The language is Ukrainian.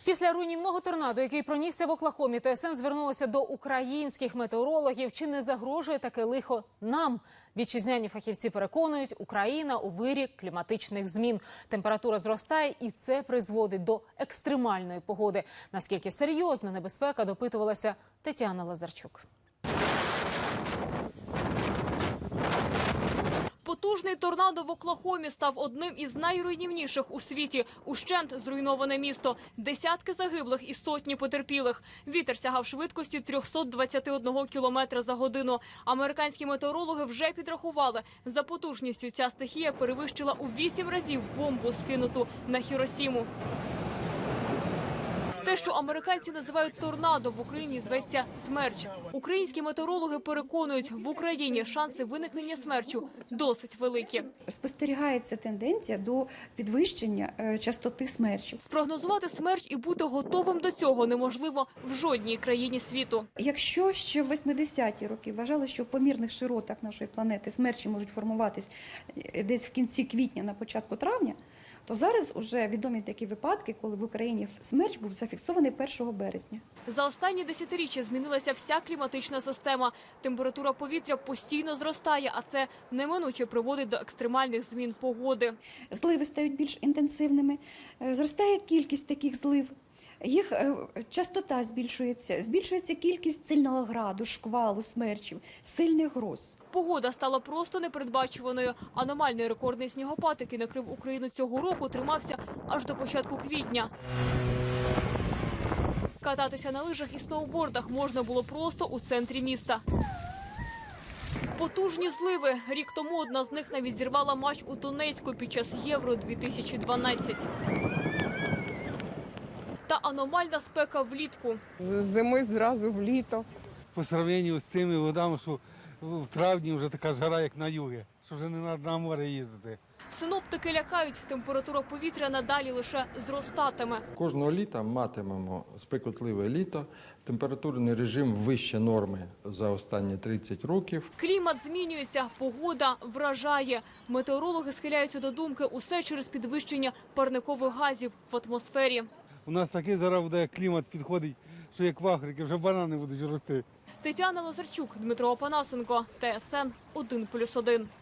Після руйнівного торнадо, який пронісся в Оклахомі, ТСН звернулася до українських метеорологів. Чи не загрожує таке лихо нам? Вітчизняні фахівці переконують, Україна у вирі кліматичних змін. Температура зростає, і це призводить до екстремальної погоди. Наскільки серйозна небезпека, допитувалася Тетяна Лазарчук. Потужний торнадо в Оклахомі став одним із найруйнівніших у світі. Ущент зруйноване місто. Десятки загиблих і сотні потерпілих. Вітер сягав швидкості 321 кілометра за годину. Американські метеорологи вже підрахували. За потужністю ця стихія перевищила у 8 разів бомбу, скинуту на Хіросіму. Те, що американці називають торнадо, в Україні зветься смерч. Українські метеорологи переконують, в Україні шанси виникнення смерчу досить великі. Спостерігається тенденція до підвищення частоти смерчів. Спрогнозувати смерч і бути готовим до цього неможливо в жодній країні світу. Якщо ще в 80-ті роки вважали, що в помірних широтах нашої планети смерчі можуть формуватись десь в кінці квітня, на початку травня, то зараз уже відомі такі випадки, коли в Україні смерч був зафіксований 1 березня. За останні десятиріччя змінилася вся кліматична система. Температура повітря постійно зростає, а це неминуче приводить до екстремальних змін погоди. Зливи стають більш інтенсивними, зростає кількість таких злив. Їх частота збільшується кількість сильного граду, шквалу, смерчів, сильних гроз. Погода стала просто непередбачуваною. Аномальний рекордний снігопад, який накрив Україну цього року, тримався аж до початку квітня. Кататися на лижах і сноубордах можна було просто у центрі міста. Потужні зливи. Рік тому одна з них навіть зірвала матч у Донецьку під час Євро-2012. Та аномальна спека влітку. З зими зразу в літо. По сравненню з тими водами, що в травні вже така жара, як на югі, що вже не треба на море їздити. Синоптики лякають, температура повітря надалі лише зростатиме. Кожного літа матимемо спекотливе літо, температурний режим вище норми за останні 30 років. Клімат змінюється, погода вражає. Метеорологи схиляються до думки, усе через підвищення парникових газів в атмосфері. У нас такий зараз буде клімат підходить, що як в Африці, вже банани будуть рости. Тетяна Лазарчук, Дмитро Опанасенко, ТСН 1+1.